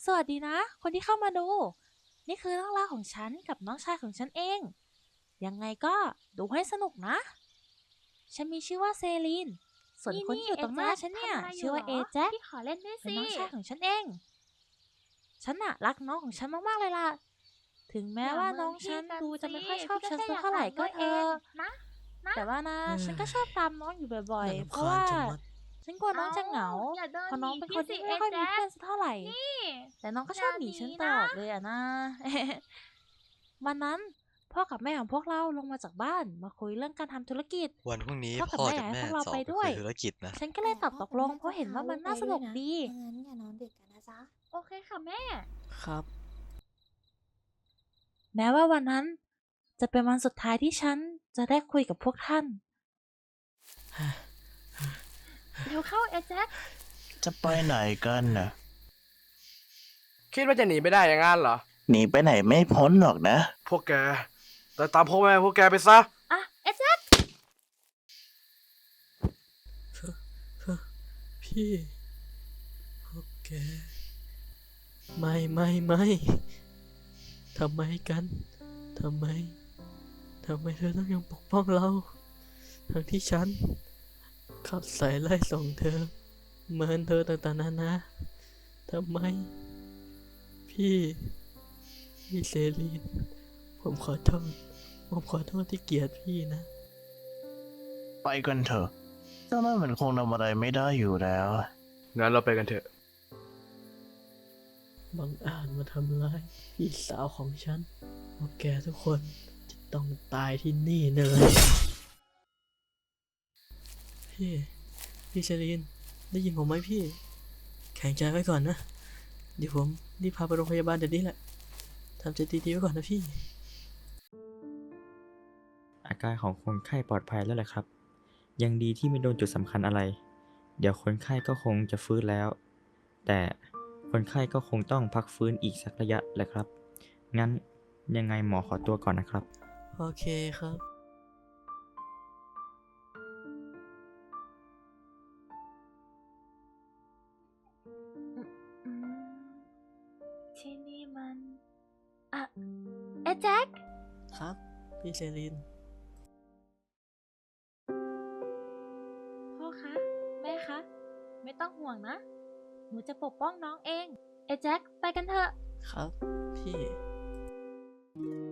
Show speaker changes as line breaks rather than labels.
สวัสดีนะ คนที่เข้ามาดู นี่คือเรื่องราวของฉันกับน้องชายของฉันเอง ยังไงก็ดูให้สนุกนะ ฉันมีชื่อว่าเซลีน ส่วนคนที่อยู่ตรงหน้าฉันเนี่ยชื่อว่าเอแจ็ค
พี่ขอเล่นด้วย
เป็น
สิ
น้องชายของฉันเอง ฉันน่ะรักน้องของฉันมากๆเลยล่ะ ถึงแม้
อย่า
ว่า
เมินพี่
น้องฉัน
กัน
ดูจะ
สิ
ไม่ค่อยชอบ
พี่ก็
ฉัน
แค่อยาก
สักเท่าไหร่
อ่านด้วยเอ
ก็เถอะ
งนะนะ
แต่ว่านะ
เฮ้
ฉันก็ช
ย
อบตามน้องอยู่บ่อย
น่า
ๆ เพ
รำคาญ
ราะว่า
ชะมัด
ฉันกลัวน้อง
เอา
จะเหงา
อย่าเดิ
เพราะน้
นหนี
องเป็นคนที่
พี่สิเอ
ไม่ค่อยมี
แจ็ค
เพื่อนสักเท่าไหร่
นี่
แต่น้องก็ช
อย่าหนี
อบหนีฉันต
นะ
ลอดเลยอะนะ วันนั้นพ่อกับแม่ของพวกเราลงมาจากบ้านมาคุยเรื่องการทำธุรกิจ
วันพรุ่งนี้
พ่อกับ
พ่อ
แม่อยากให้
กับแม่
พวกเราไป
จะออกไป
ด้วย
คุยธุรกิจนะ
ฉันก็เล
แต่
ยตอบตกลงเพราะเห็นว่ามันน่าสนุกดี
ถ้างั้นอย่านอนดึกกันนะจ๊ะ
โอเคค่ะแม่
ครับ
แม้ว่าวันนั้นจะเป็นวันสุดท้ายที่ฉันจะได้คุยกับพวกท่าน
เร็วเข้าเอแจ็ค
จะไปไหนกันน่ะ
คิดว่าจะหนีไม่ได้อย่างนั้นเหรอ
หนีไปไหนไม่พ้นหรอกนะ
พวกแกแต่ตามพ่อแม่พวกแกไปซะ
อ่ะเอแจ็ค
พี่พวกแกไม่ทำไมกันทำไมเธอต้องยังปกป้องเราทั้งที่ฉันขับสายไล่ส่งเธอเมินเธอต่างๆนานาทำไมพี่เซรีนผมขอโทษที่เกลียดพี่นะ
ไปกันเถอะเจ้านั่นมันคงทำอะไรไม่ได้อยู่แล้ว
งั้นเราไปกันเถอะ
บังอาจมาทำร้ายพี่สาวของฉันพวกแกทุกคนจะต้องตายที่นี่เลยพี่เชลีนได้ยินผมไหมพี่ แข็งใจไว้ก่อนนะ เดี๋ยวผมรีบพาไปโรงพยาบาลเดี๋ยวนี้แหละทำใจดีๆไว้ก่อนนะพี่
อาการของคนไข้ปลอดภัยแล้วแหละครับ ยังดีที่ไม่โดนจุดสำคัญอะไร เดี๋ยวคนไข้ก็คงจะฟื้นแล้ว แต่คนไข้ก็คงต้องพักฟื้นอีกสักระยะแหละครับ งั้นยังไงหมอขอตัวก่อนนะครับ
โอเคครับ
ที่นี่มัน
เอแจ็ค
ครับ พี่เชลีน
พ่อคะ แม่คะ ไม่ต้องห่วงนะ หนูจะปกป้องน้องเอง
เอแจ็คไปกันเถอะ
ครับ พี่